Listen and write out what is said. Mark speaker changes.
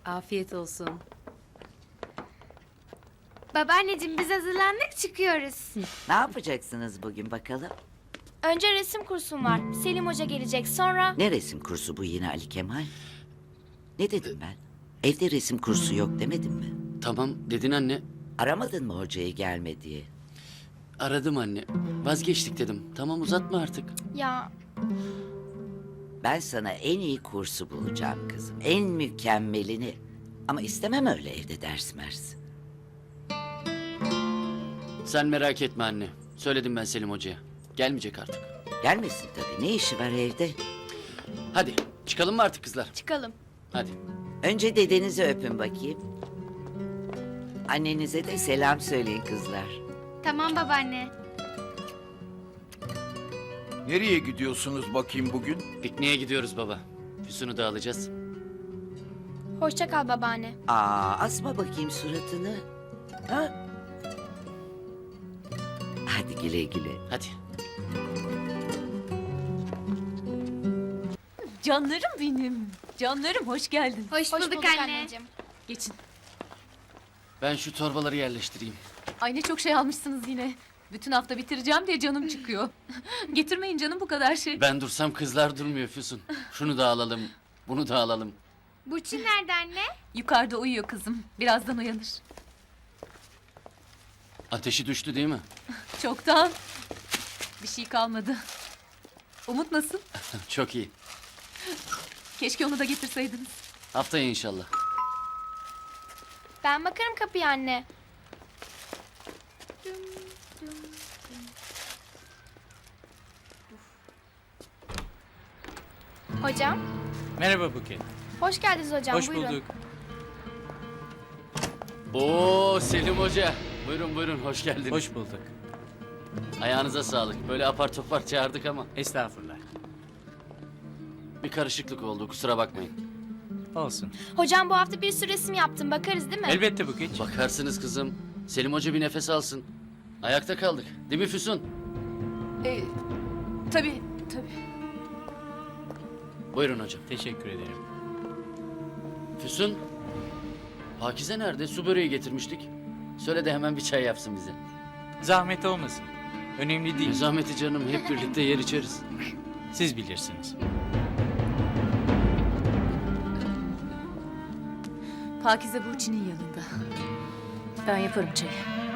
Speaker 1: Afiyet olsun.
Speaker 2: Babaanneciğim biz hazırlandık çıkıyoruz.
Speaker 3: Ne yapacaksınız bugün bakalım?
Speaker 2: Önce resim kursum var. Selim Hoca gelecek sonra...
Speaker 3: Ne resim kursu bu yine Ali Kemal? Ne dedim ben? Evde resim kursu yok demedim mi?
Speaker 4: Tamam dedin anne.
Speaker 3: Aramadın mı hocayı gelme diye?
Speaker 4: Aradım anne. Vazgeçtik dedim. Tamam uzatma artık.
Speaker 2: Ya
Speaker 3: Ben sana en iyi kursu bulacağım kızım. En mükemmelini. Ama istemem öyle evde ders mers.
Speaker 4: Sen merak etme anne. Söyledim ben Selim Hoca'ya. Gelmeyecek artık.
Speaker 3: Gelmesin tabii. Ne işi var evde?
Speaker 4: Hadi çıkalım mı artık kızlar?
Speaker 2: çıkalım.
Speaker 4: Hadi.
Speaker 3: Önce dedenizi öpün bakayım. Annenize de selam söyleyin kızlar.
Speaker 2: Tamam babaanne.
Speaker 5: Nereye gidiyorsunuz bakayım bugün?
Speaker 4: Pikniğe gidiyoruz baba. Füsun'u da alacağız.
Speaker 2: Hoşça kal babaanne.
Speaker 3: Asma bakayım suratını. Ha? Hadi güle güle.
Speaker 4: Hadi.
Speaker 1: Canlarım benim. Canlarım hoş geldin.
Speaker 2: Hoş bulduk anneciğim.
Speaker 1: Geçin.
Speaker 4: Ben şu torbaları yerleştireyim.
Speaker 1: Ay ne çok şey almışsınız yine. Bütün hafta bitireceğim diye canım çıkıyor. Getirmeyin canım bu kadar şey.
Speaker 4: Ben dursam kızlar durmuyor Füsun. Şunu da alalım. Bunu da alalım.
Speaker 2: Burçin nerede anne?
Speaker 1: Yukarıda uyuyor kızım. Birazdan uyanır.
Speaker 4: Ateşi düştü değil mi?
Speaker 1: Çoktan. Bir şey kalmadı. Umut nasıl?
Speaker 4: Çok iyi.
Speaker 1: Keşke onu da getirseydiniz.
Speaker 4: Haftaya inşallah.
Speaker 2: Ben bakarım kapıya anne. Hocam,
Speaker 6: Merhaba Buket.
Speaker 2: hoş geldiniz hocam.
Speaker 6: Hoş
Speaker 2: buyurun.
Speaker 6: bulduk.
Speaker 4: Oo Selim Hoca. Buyurun buyurun hoş geldiniz.
Speaker 6: Hoş bulduk.
Speaker 4: Ayağınıza sağlık. Böyle apar topar çağırdık ama
Speaker 6: Estağfurullah.
Speaker 4: bir karışıklık oldu kusura bakmayın.
Speaker 6: Olsun.
Speaker 2: Hocam bu hafta bir sürü resim yaptım. Bakarız değil mi?
Speaker 6: Elbette Buket.
Speaker 4: Bakarsınız kızım. Selim Hoca bir nefes alsın. Ayakta kaldık. Değil mi Füsun?
Speaker 1: Tabii, tabii.
Speaker 4: Buyurun hocam.
Speaker 6: Teşekkür ederim.
Speaker 4: Füsun. Pakize nerede? Su böreği getirmiştik. Söyle de hemen bir çay yapsın bize.
Speaker 6: Zahmet olmasın. Önemli
Speaker 4: Ne
Speaker 6: değil.
Speaker 4: zahmeti canım. Hep birlikte yer içeriz.
Speaker 6: Siz bilirsiniz.
Speaker 1: Pakize Burçin'in yanında. Ben yaparım çayı.